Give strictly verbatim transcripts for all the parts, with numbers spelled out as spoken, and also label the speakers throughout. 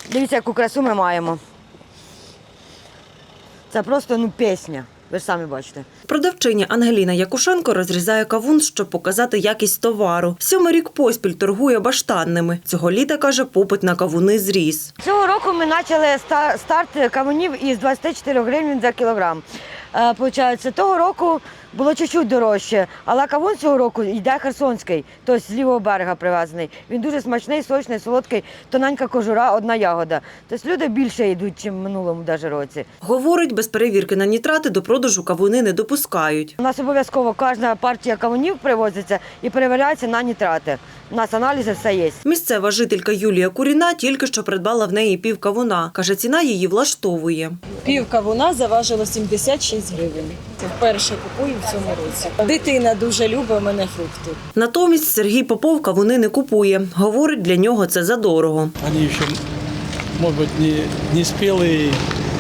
Speaker 1: Дивіться, яку красу ми маємо. Це просто ну, пісня. Ви ж самі бачите.
Speaker 2: Продавчиня Ангеліна Якушенко розрізає кавун, щоб показати якість товару. Сьомий рік поспіль торгує баштанними. Цього літа, каже, попит на кавуни зріс.
Speaker 1: Цього року ми почали старт кавунів із двадцяти чотирьох гривень за кілограм. Е, Получається, того року було чуть-чуть дорожче, але кавун цього року йде херсонський, тобто з лівого берега привезений. Він дуже смачний, сочний, солодкий, тоненька кожура, одна ягода. Тобто люди більше йдуть, ніж в минулому даже році.
Speaker 2: Говорить, без перевірки на нітрати до продажу кавуни не допускають.
Speaker 1: У нас обов'язково кожна партія кавунів привозиться і перевіряється на нітрати. У нас аналізи все є.
Speaker 2: Місцева жителька Юлія Куріна тільки що придбала в неї пів кавуна. Каже, ціна її влаштовує.
Speaker 3: Пів кавуна заважило сімдесят шість гривень. Це вперше купую в цьому році. Дитина дуже любить у мене фрукти.
Speaker 2: Натомість Сергій Попов кавуни не купує. Говорить, для нього це задорого.
Speaker 4: Вони ще, може бути, не, не спілі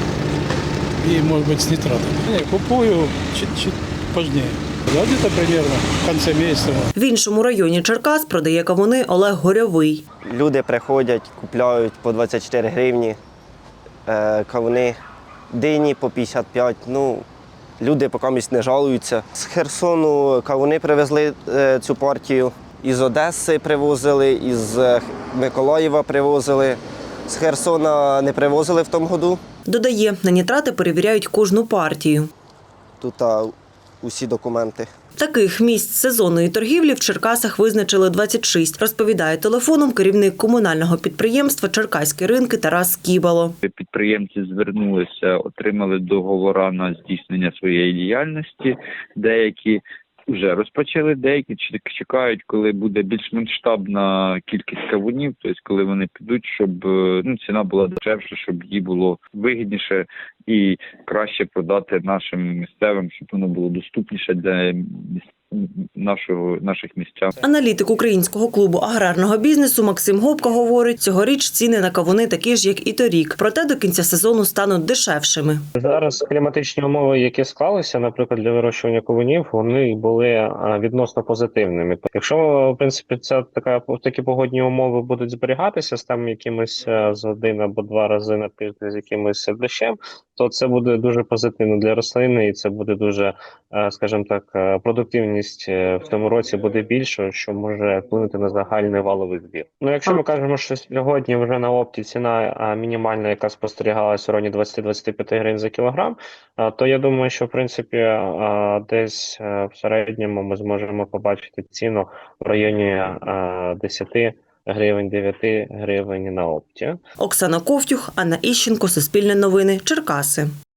Speaker 4: і, може бути, з нитратами. Я купую чуть-чуть пізніше. Да, где-то примерно в конце місяця.
Speaker 2: В іншому районі Черкас продає кавуни Олег Горьовий.
Speaker 5: Люди приходять, купляють по двадцять чотири гривні, е, кавуни, дині по п'ятдесят п'ять. Ну, люди поки місць не жалуються. З Херсону кавуни привезли е, цю партію, із Одеси привозили, із Миколаєва привозили. З Херсона не привозили в тому году.
Speaker 2: Додає, на нітрати перевіряють кожну партію.
Speaker 5: Тут а, усі документи.
Speaker 2: Таких місць сезонної торгівлі в Черкасах визначили двадцять шість, розповідає телефоном керівник комунального підприємства «Черкаські ринки» Тарас Кібало.
Speaker 6: Підприємці звернулися, отримали договори на здійснення своєї діяльності. Деякі вже розпочали, деякі чекають, коли буде більш масштабна кількість кавунів, тобто коли вони підуть, щоб ну, ціна була дешевша, щоб їй було вигідніше і краще продати нашим місцевим, щоб воно було доступніше для нашого, наших містян.
Speaker 2: Аналітик Українського клубу аграрного бізнесу Максим Гопко говорить, цьогоріч ціни на кавуни такі ж, як і торік. Проте до кінця сезону стануть дешевшими.
Speaker 7: Зараз кліматичні умови, які склалися, наприклад, для вирощування кавунів, вони були відносно позитивними. Якщо, в принципі, ця така такі погодні умови будуть зберігатися з там якимось з один або два рази на тиждень з якимось дощем, то це буде дуже позитивно для рослини і це буде дуже, скажімо так, продуктивність в тому році буде більшою, що може вплинути на загальний валовий збір. Ну, якщо ми кажемо, що сьогодні вже на опті ціна мінімальна, яка спостерігалася в районі двадцять-двадцять п'ять гривень за кілограм, то я думаю, що в принципі десь в середньому ми зможемо побачити ціну в районі десять гривень, дев'ять гривень на опті.
Speaker 2: Оксана Ковтюх, Анна Іщенко, Суспільне новини, Черкаси.